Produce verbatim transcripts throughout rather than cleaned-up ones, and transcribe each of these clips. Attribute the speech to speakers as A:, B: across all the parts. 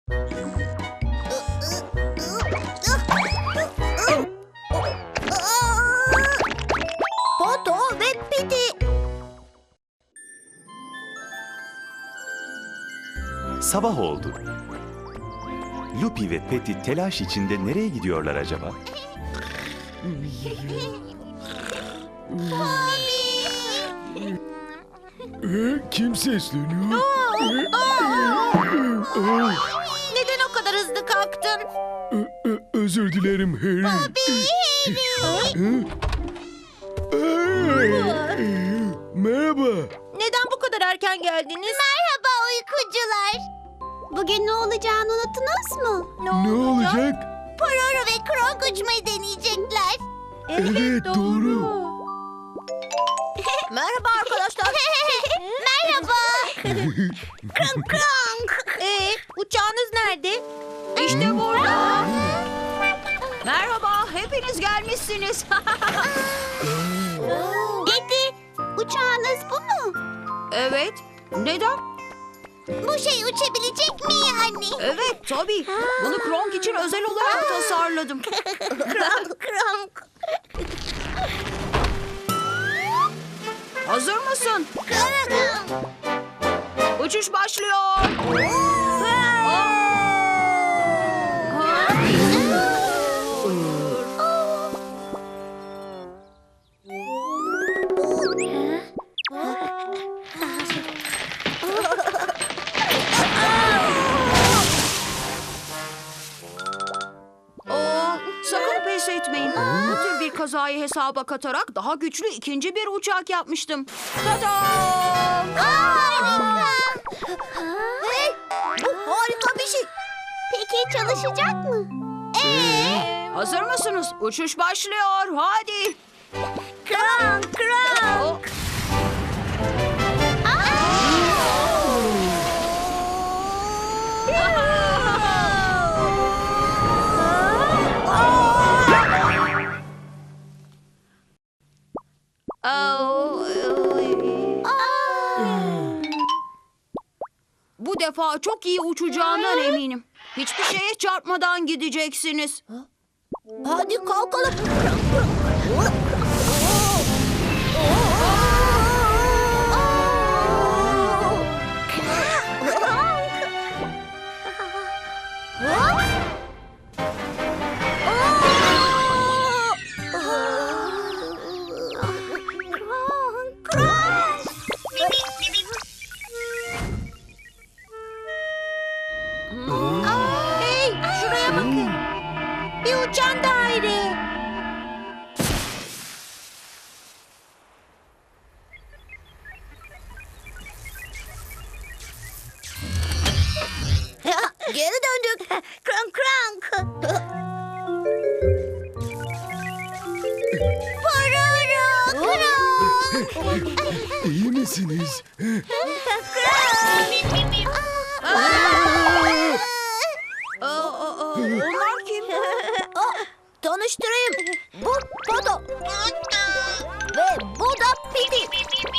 A: Poto ve Piti.
B: Sabah oldu. Lupi ve Peti telaş içinde nereye gidiyorlar acaba?
C: Ee, kim sesleniyor?
A: Neden o kadar hızlı kalktın?
C: Ö- ö- özür dilerim Harry. Ee, merhaba.
A: Neden bu kadar erken geldiniz? Merhaba uykucular. Bugün ne olacağını unuttunuz mu?
C: Ne olacak?
A: Pororo ve Kronk uçmayı deneyecekler.
C: Evet, doğru.
A: Merhaba arkadaşlar. Merhaba. Kronk Kronk. Ee, uçağınız nerede?
D: İşte burada. Merhaba, hepiniz gelmişsiniz.
A: Dedi, uçağınız bu mu?
D: Evet, neden?
A: Bu şey uçabilecek mi yani?
D: Evet, tabii. Bunu Kronk için özel olarak tasarladım.
A: Kronk Kronk.
D: Hazır mısın?
A: Kronk.
D: Uçuş başlıyor. Aa, sakın pes etmeyin. Bu tür bir kazayı hesaba katarak daha güçlü ikinci bir uçak yapmıştım. Tadam!
A: Harika. Hey, bu harika bir şey. Peki çalışacak mı? Ee?
D: Hazır mısınız? Uçuş başlıyor. Hadi.
A: Kronk Kronk.
D: Bu defa çok iyi uçacağından eminim. Hiçbir şeye çarpmadan gideceksiniz.
A: Hadi kalkalım. Hey, şuraya bakın. Bir uçan daire. Geri döndük. Kronk Kronk. Pororo Kronk.
C: İyi misiniz?
D: Aa, aa, aa, onlar kim?
A: Tanıştırayım. Bu Poto. Ve bu da Piti.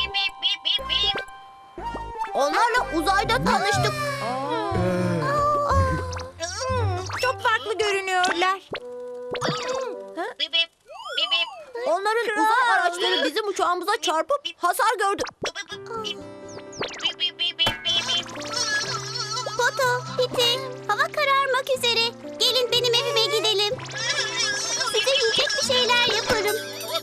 A: Onlarla uzayda tanıştık. Çok farklı görünüyorlar. Onların uzay araçları bizim uçağımıza çarpıp hasar gördü. Poto, Piti, hava kararmak üzere. Gelin benim evime gidelim. Size yiyecek bir şeyler yaparım.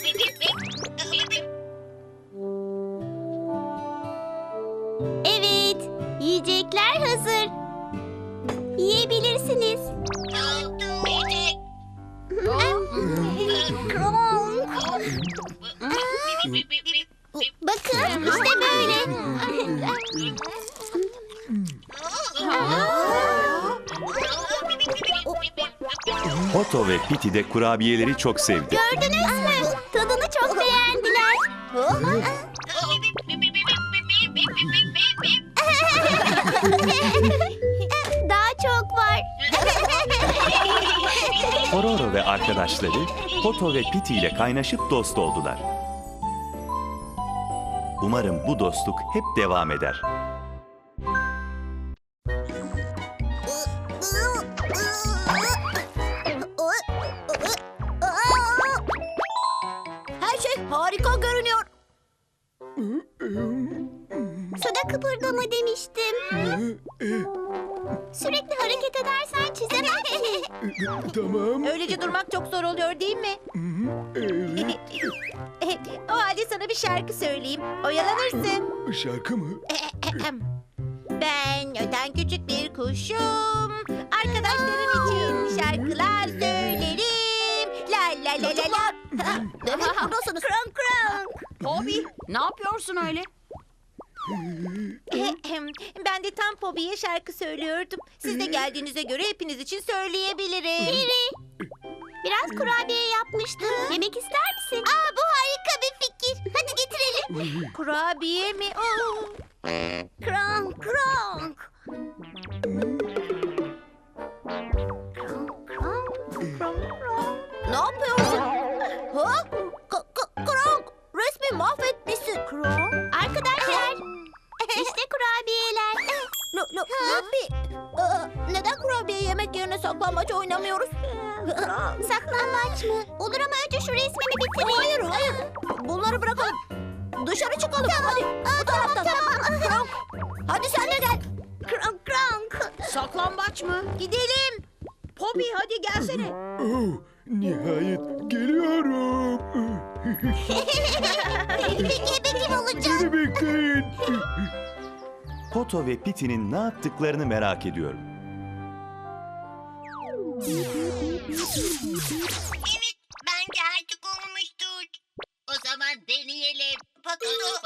A: Evet, yiyecekler hazır. Yiyebilirsiniz. Bakın, işte böyle.
B: Poto ve Piti de kurabiyeleri çok sevdi.
A: Gördünüz mü? Tadını çok beğendiler. Daha çok var.
B: Pororo ve arkadaşları Poto ve Piti ile kaynaşıp dost oldular. Umarım bu dostluk hep devam eder.
A: Sürekli hareket edersen çizemezsin.
C: Tamam.
E: Öylece durmak çok zor oluyor değil mi?
C: Evet.
E: O halde sana bir şarkı söyleyeyim. Oyalanırsın.
C: Şarkı mı?
E: Ben öten küçük bir kuşum. Arkadaşlarım için şarkılar söylerim. La la la la la.
A: Demek buradasınız. Kronk kronk.
D: Bobby, ne yapıyorsun öyle?
E: Ben de tam Pobi'ye şarkı söylüyordum. Siz de geldiğinize göre hepiniz için söyleyebilirim.
A: Peri. Biraz kurabiye yapmıştım. Yemek ister misin? Aa, bu harika bir fikir. Hadi getirelim.
E: Kurabiye mi? Oo.
A: Kronk kronk.
E: Ne yapıyorsun? Ha? K- k- Kronk, resmi mahvetmişsin. Kronk.
A: Arkadaşlar. İşte kurabiyeler.
E: Lo, lo, Lupi, Aa, neden kurabiye yemek yerine saklambaç oynamıyoruz?
A: Saklambaç mı? Olur ama önce şu resmimi bitireyim.
E: Hayır, hayır. Bunları bırakalım. Dışarı çıkalım. Hadi. Bu taraftan. Kronk. Hadi sen de gel.
A: Kronk kronk.
D: Saklambaç mı?
E: Gidelim.
D: Bobby, hadi gelsene.
C: Oh, nihayet geliyorum.
A: Peki ebe kim olacak?
C: Beni bekleyin.
B: Poto ve Peti'nin ne yaptıklarını merak ediyorum.
F: Evet, bence artık olmuştur. O zaman deneyelim. Patato.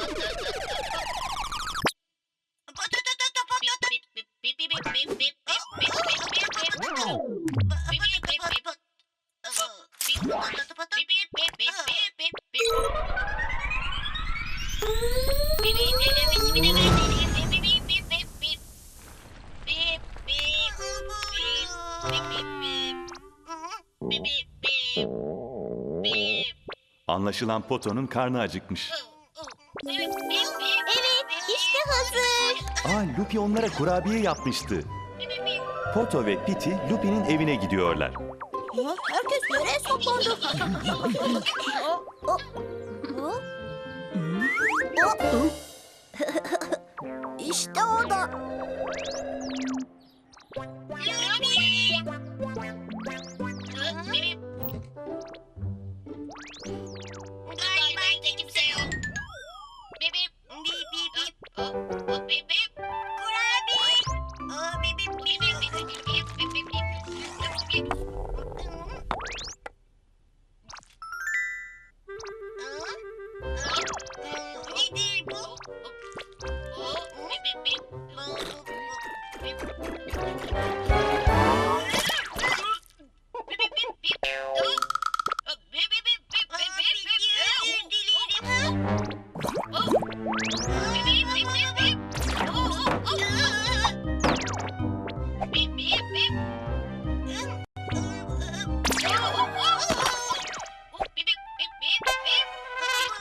F: Patato, patato. Bip bip bip bip bip bip bip bip bip bip bip
B: Anlaşılan Poto'nun karnı acıkmış.
A: Evet, işte hazır.
B: Aa, Lupi onlara kurabiye yapmıştı. Poto ve Piti Lupi'nin evine gidiyorlar.
E: Ha, herkes nereye saklandı? İşte orada.
F: Galiba evde kimse yok. Bip bip bip bip bip. Oh, bip bip. Kurabiye. Oh, bip bip bip bip bip bip bip bip bip bip. Nedir bu? Oh, bip bip bip. Bip bip bip bip. Oh. Bip bip bip bip bip bip bip. Özür dilerim. Oh. Bip bip bip bip bip. Oh, oh, oh. Bip bip bip. Oh, oh, oh. Oh, bip bip bip bip bip. Bip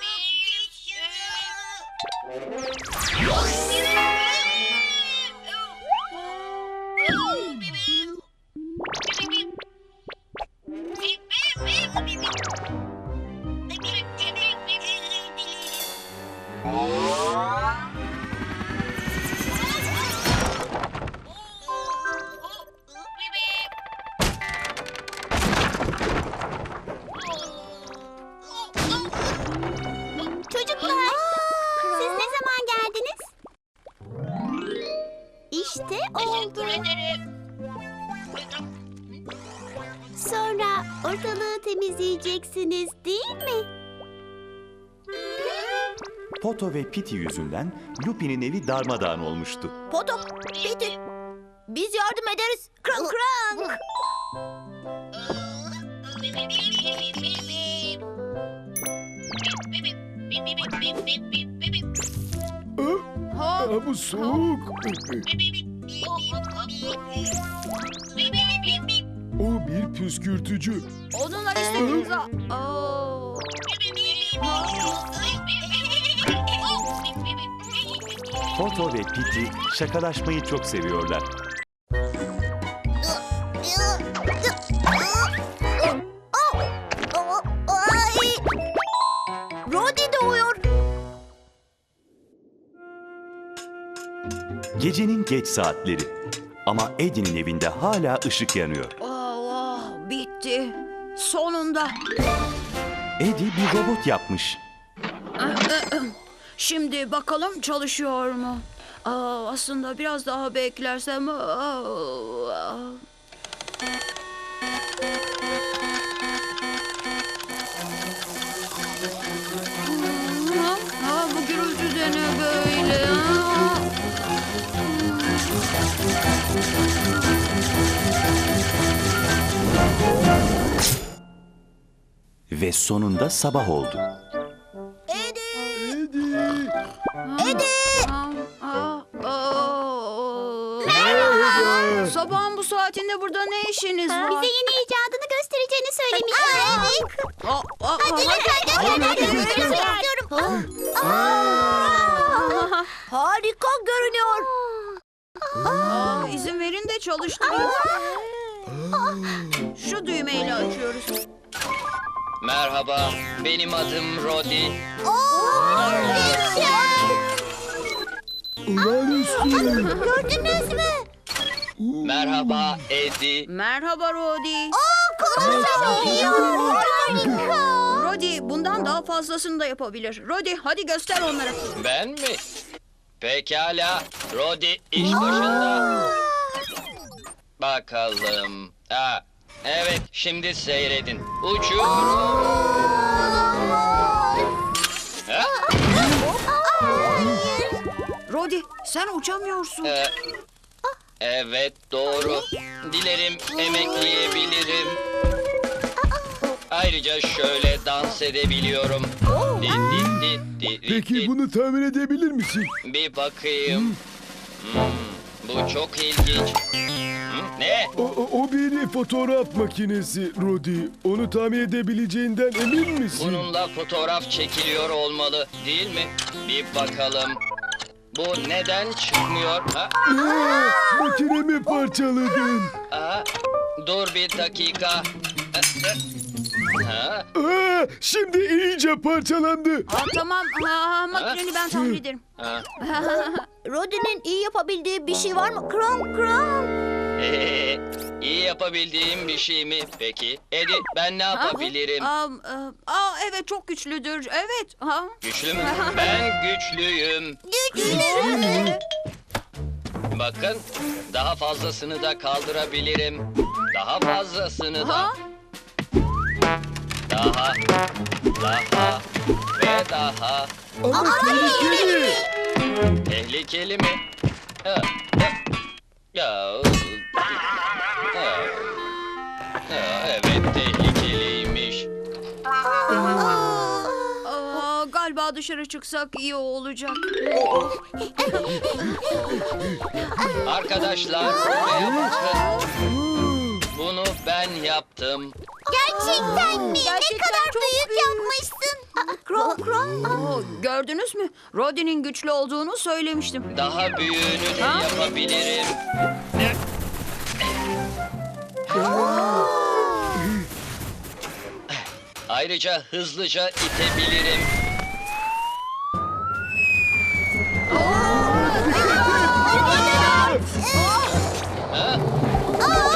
A: Çocuklar, siz ne zaman geldiniz? İşte oldu.
F: Teşekkür ederim.
A: Sonra ortalığı temizleyeceksiniz değil mi?
B: Poto ve Piti yüzünden Lupi'nin evi darmadağın olmuştu.
E: Poto, Piti. Biz yardım ederiz. Kronk kronk.
C: Ah, ah, bu soğuk. O bir püskürtücü.
D: Onunla istediğiniz... Oo.
B: Poto ve Piti şakalaşmayı çok seviyorlar.
E: Rodi doğuyor.
B: Gecenin geç saatleri. Ama Eddie'nin evinde hala ışık yanıyor.
D: Oh, bitti. Sonunda.
B: Eddie bir robot yapmış.
D: Şimdi bakalım çalışıyor mu? Aa, aslında biraz daha beklersem... Aa, Ha, bu gürültü de ne böyle? Ha?
B: Ve sonunda sabah oldu.
C: Eddie.
D: Aa, aa, aa. Sabahın bu saatinde burada ne işiniz var?
A: Bize yeni icadını göstereceğini söylemişti. Evet.
D: Aa, aa,
A: Hadi
D: aa,
A: lütfen göster. Görmek istiyorum.
E: Harika görünüyor.
D: aa, izin verin de çalıştırayım. Şu düğmeyle açıyoruz.
G: Merhaba, benim adım Rodi.
C: Olağanüstü.
A: Gördünüz mü?
G: Merhaba Eddie.
D: Merhaba Rodi.
A: Harika.
D: Rodi bundan daha fazlasını da yapabilir. Rodi hadi göster onlara.
G: Ben mi? Pekala, Rodi iş başında. Bakalım. Ha, evet, şimdi seyredin. Uçuyorum. Ha?
D: Rodi sen uçamıyorsun.
G: Ee, evet, doğru. Dilerim emekleyebilirim. Ayrıca şöyle dans edebiliyorum. Di, di, di, di, di,
C: Peki
G: di.
C: bunu tahmin edebilir misin?
G: Bir bakayım. Hmm, bu çok ilginç. Hmm, ne?
C: O, o, o bir fotoğraf makinesi Rodi. Onu tahmin edebileceğinden emin misin?
G: Bununla fotoğraf çekiliyor olmalı, değil mi? Bir bakalım. Bu neden çıkmıyor? Ha?
C: Aa, makinemi parçaladın.
G: Aa, dur bir dakika. Ha?
C: Aa, şimdi iyice parçalandı.
D: Aa, tamam ha, makineni ben tamir ederim.
G: Ha?
E: Rodi'nin iyi yapabildiği bir şey var mı? Krom krom.
G: Ee, iyi yapabildiğim bir şey mi peki? Eddie, ben ne yapabilirim?
D: Aa, aa, aa, evet çok güçlüdür. Evet. Ha.
G: Güçlü mü? Ben güçlüyüm. Bakın, daha fazlasını da kaldırabilirim. Daha fazlasını da.
D: Ha?
G: Daha, daha ve daha.
C: Ama tehlikeli.
G: Tehlikeli mi? Ha, ha. Ya, ha. Ha, evet tehlikeliymiş.
D: Aa, galiba dışarı çıksak iyi olacak.
G: Arkadaşlar buraya bakın. Bunu ben yaptım.
A: Gerçekten mi? Ne
E: Gerçekten
A: kadar
E: çok
A: büyük,
E: büyük.
A: yapmışsın. Krom krom.
D: Oo, gördünüz mü? Rodi'nin güçlü olduğunu söylemiştim.
G: Daha büyüğünü de
D: Ha?
G: yapabilirim. Ayrıca hızlıca itebilirim. Ha?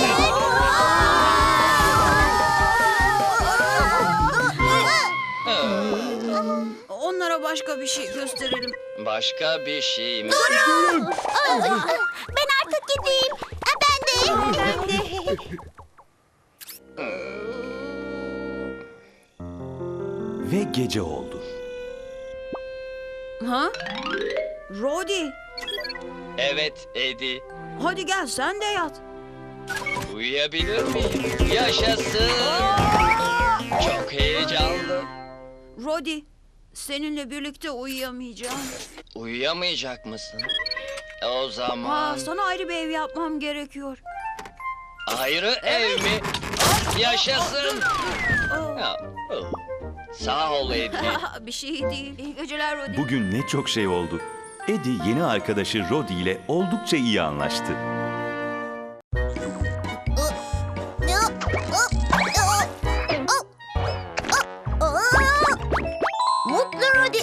G: Ha,
D: Onlara başka bir şey gösterelim.
G: başka bir şey mi?
A: Ben artık gideyim. Ha, Ben de. Ben de.
B: Ve gece oldu.
D: Ha? Rodi,
G: Evet Eddie.
D: hadi gel sen de yat.
G: Uyuyabilir miyim? Yaşasın. Çok heyecanlı.
D: Rodi, seninle birlikte uyuyamayacağım.
G: Uyuyamayacak mısın? O
D: Aa,
G: zaman
D: sana ayrı bir ev yapmam gerekiyor.
G: ayrı ev mi? Yaşasın.
D: Oo.
G: Ya, oh. Sağ ol Eddie.
D: bir şey değil. İyi geceler Rodi.
B: Bugün ne çok şey oldu. Eddie yeni arkadaşı Rodi ile oldukça iyi anlaştı.
A: Mutlu Rodi.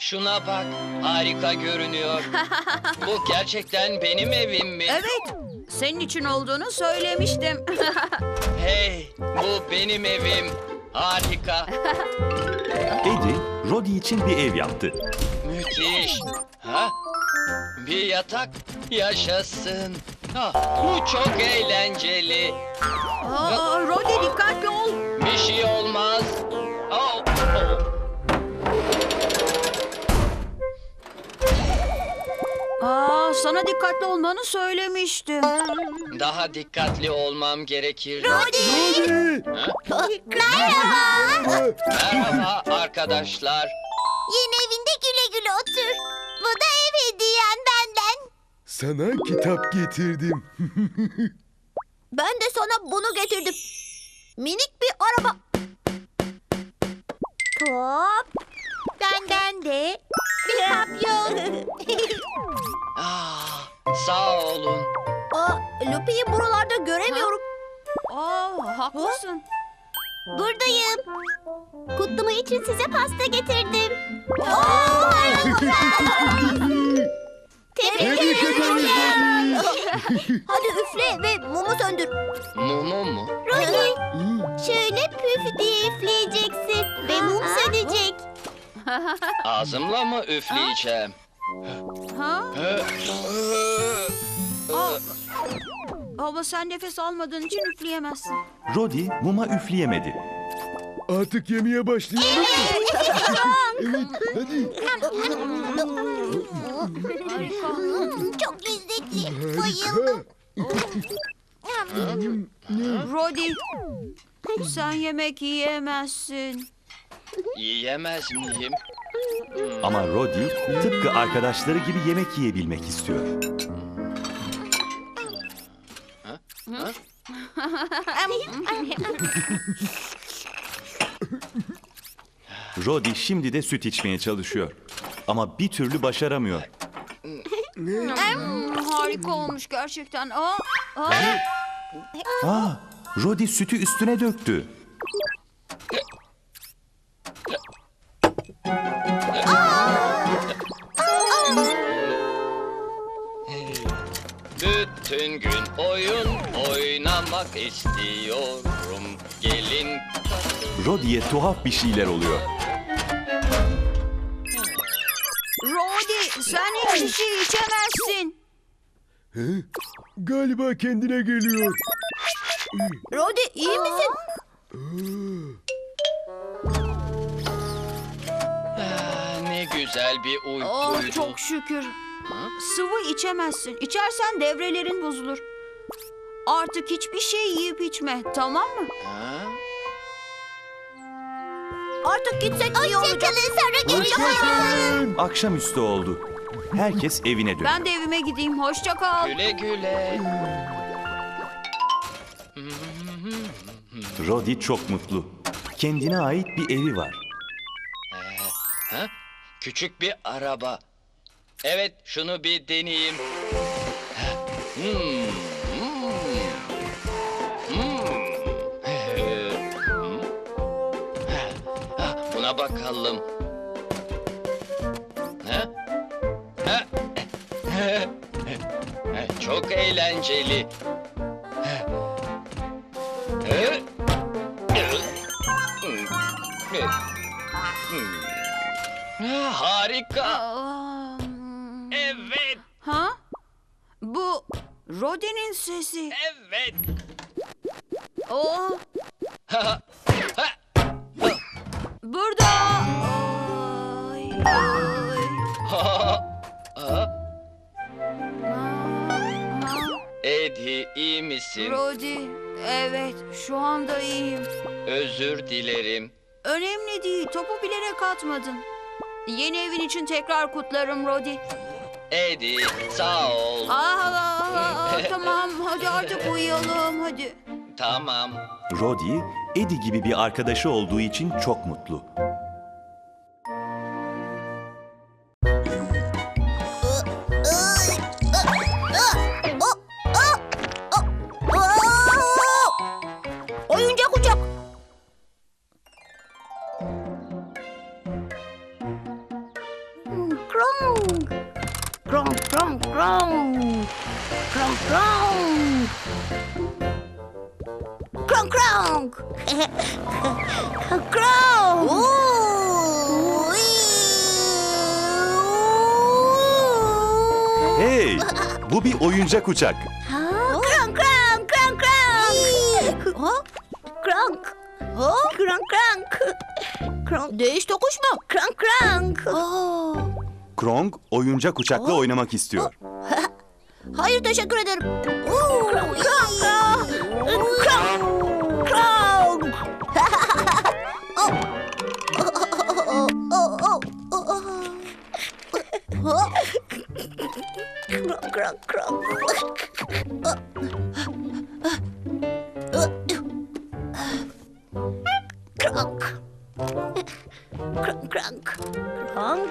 G: Şuna bak, harika görünüyor. Bu gerçekten benim evim mi?
D: Evet, senin için olduğunu söylemiştim.
G: Hey, bu benim evim. Harika,
B: Eddie, Roddy için bir ev yaptı.
G: müthiş. Ha? Bir yatak, yaşasın. Ha, bu çok eğlenceli.
D: Aa, Roddy dikkatli ol.
G: Bir şey olmaz. Oh, oh.
D: Aa, sana dikkatli olmanı söylemiştim.
G: Daha dikkatli olmam gerekir.
C: Roddy!
A: Merhaba.
G: Merhaba arkadaşlar.
A: Yeni evinde güle güle otur. Bu da ev hediyen benden.
C: Sana kitap getirdim.
A: Ben de sana bunu getirdim. Minik bir araba. Top. Benden de bir papyon.
G: Ah, sağ olun.
A: Aa, Lupi'yi buralarda göremiyorum.
D: Aa, haklısın.
A: Buradayım. Kutlama için size pasta getirdim. Oo, Tebrik
C: Tebrik
A: ederim.
C: ederim.
A: Hadi üfle ve mumu söndür.
G: Mumu mu?
A: Roddy, şöyle püf diye üfleyeceksin ve mum sönecek.
G: Ağzımla mı üfleyeceğim?
D: Ha?
G: Hı, hı.
D: Aa, ama sen nefes almadığın için üfleyemezsin.
B: Roddy muma üfleyemedi.
C: Artık yemeye başlayalım mı? Evet, hadi.
A: Çok lezzetli.
C: Harika.
D: Roddy, sen yemek yiyemezsin.
G: Yiyemez miyim?
B: Ama Roddy tıpkı arkadaşları gibi yemek yiyebilmek istiyor. Roddy şimdi de süt içmeye çalışıyor. Ama bir türlü başaramıyor.
D: Hmm, harika olmuş gerçekten. Aa, aa.
B: Aa, Roddy sütü üstüne döktü.
G: Bütün gün oyun oynamak istiyorum. Gelin.
B: Roddy'ye tuhaf bir şeyler oluyor.
D: Roddy, sen hiçbir şey içemezsin.
C: Hı? Galiba kendine geliyor.
A: Roddy iyi misin?
G: Ah, ne güzel bir
D: Oh,
G: uykuydu.
D: çok şükür. Sıvı içemezsin. İçersen devrelerin bozulur. Artık hiçbir şey yiyip içme, tamam mı?
G: Ha?
A: Artık gitsek iyi olacak. Hoşçakalın, sonra görüşürüz.
C: Hoşçakalın.
B: Akşamüstü oldu. Herkes evine döndü.
D: Ben de evime gideyim. Hoşça kal.
G: Güle güle.
B: Roddy çok mutlu. Kendine ait bir evi var.
G: Ha? Küçük bir araba. Evet, şunu bir deneyeyim. Hmm, hmm, hmm. Hmm. Ha, buna bakalım. Ha? Ha? Çok eğlenceli. Ha, harika.
D: Aa,
G: Evet,
D: ha? Bu Roddy'nin sesi.
G: evet.
D: Oh,
G: Ha, ha.
D: burada. Ay, ay.
G: Ha, ha.
D: Aa,
G: Eddie, iyi misin?
D: Roddy, evet, şu anda iyiyim.
G: Özür dilerim.
D: Önemli değil, topu bilerek atmadın. Yeni evin için tekrar kutlarım Roddy.
G: Eddie, sağ ol.
D: Aa, aa, aa, tamam, hadi artık uyuyalım, hadi.
G: Tamam.
B: Roddy, Eddie gibi bir arkadaşı olduğu için çok mutlu.
A: Oyuncak uçak. Krong. Krong, krong, krong. Krong, krong. Krong, krong. Krong. Oo.
B: Hey, bu bir oyuncak uçak.
A: Krong, krong, krong, krong. Krong. Krong, krong. Krong.
E: Değiş tokuş mu?
A: Krong, krong.
B: Krong oyuncak uçakla oynamak istiyor.
E: Hayır, teşekkür ederim.
A: Krong, krong, krong. Krong. Krong. Krong, krong, krong. Krong. Krong, krong. Krong.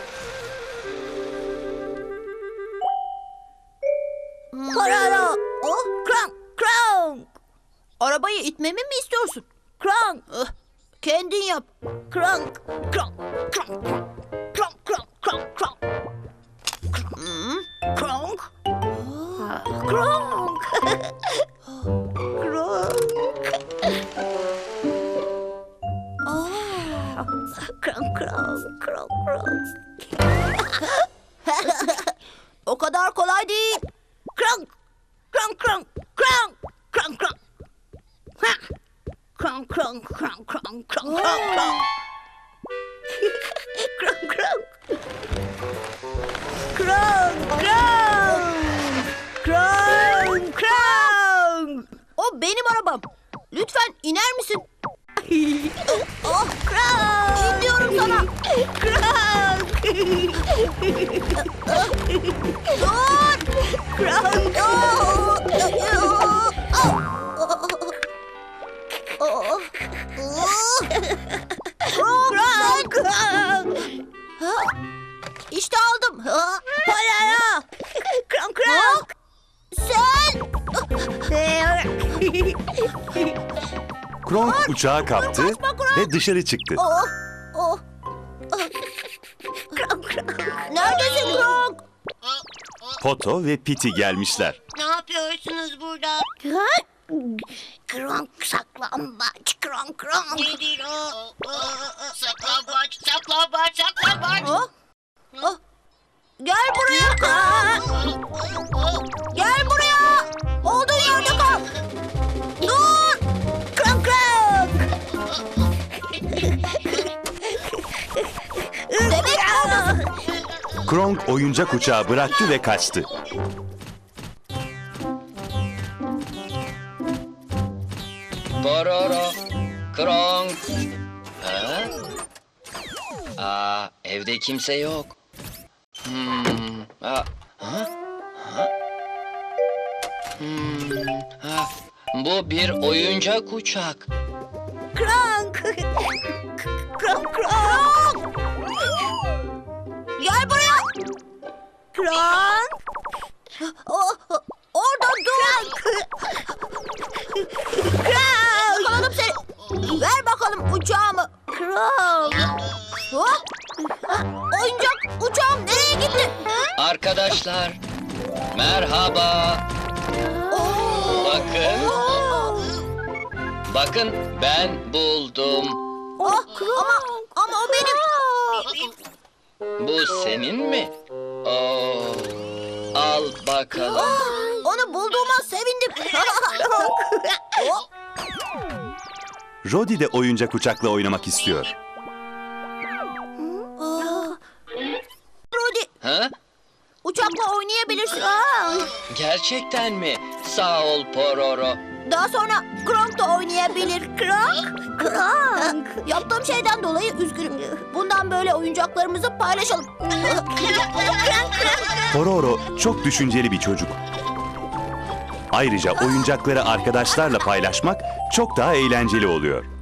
A: Pororo. Oh, krong, krong.
E: Arabayı itmemi mi istiyorsun?
A: Krong.
E: Ah, kendin yap.
A: Krong, krong, krong, krong. Krong, krong, krong, krong.
E: Hmm.
A: Krong. Krong. Krong. Krong, krong, krong, krong.
E: O kadar kolay değil.
A: Krong. Krong, krong, krong. Krong, krong. Ha. Krong, krong, krong, krong, krong, krong, krong. Krong, krong. Krong, krong. Krong, krong.
E: O benim arabam. Lütfen iner misin?
A: Oh, krong.
E: İn diyorum sana.
A: Krong.
E: Dur.
A: Krong. Oh. Krong, krong.
E: İşte aldım. Ha,
A: Pororo. Krong, krong.
E: Sen.
B: Krong uçağı kaptı ve dışarı çıktı.
A: Oh, oh. Krong, krong.
E: Neredesin Krong?
B: Poto ve Piti gelmişler.
F: Ne yapıyorsunuz burada?
A: Krong, saklambaç. Krong, krong.
F: Nedir o? Saklambaç, saklambaç, saklambaç.
E: Ha? Ah, gel buraya Krong. Gel buraya. Olduğun yerde kal. Dur.
A: Krong, krong.
E: Demek buradasın.
B: Krong oyuncak uçağı bıraktı ve kaçtı.
G: Pororo, Krong. Ha? Aa, evde kimse yok. Hmm. Aa, ha? Ha? Hmm. Ha. Bu bir oyuncak uçak.
A: Krong. Krong, krong.
E: Gel buraya.
A: Krong.
E: Oh, orada dur.
A: Krong.
E: Yakaladım seni. Ver bakalım uçağımı.
A: Krong.
E: Hop. Oyuncak uçağım nereye gitti?
G: Arkadaşlar, merhaba. Bakın, bakın ben buldum.
E: Oh, ama ama o benim.
G: Bu senin mi? Oo, al bakalım.
E: Onu bulduğuma sevindim. Oh,
B: Rodi de oyuncak uçakla oynamak istiyor.
E: Rudy,
G: Ha?
E: uçakla oynayabilirsin.
G: Gerçekten mi? Sağ ol Pororo.
E: Daha sonra Krong da oynayabilir. Krong, Krong. Yaptığım şeyden dolayı üzgünüm. Bundan böyle oyuncaklarımızı paylaşalım.
B: Pororo çok düşünceli bir çocuk. Ayrıca oyuncakları arkadaşlarla paylaşmak çok daha eğlenceli oluyor.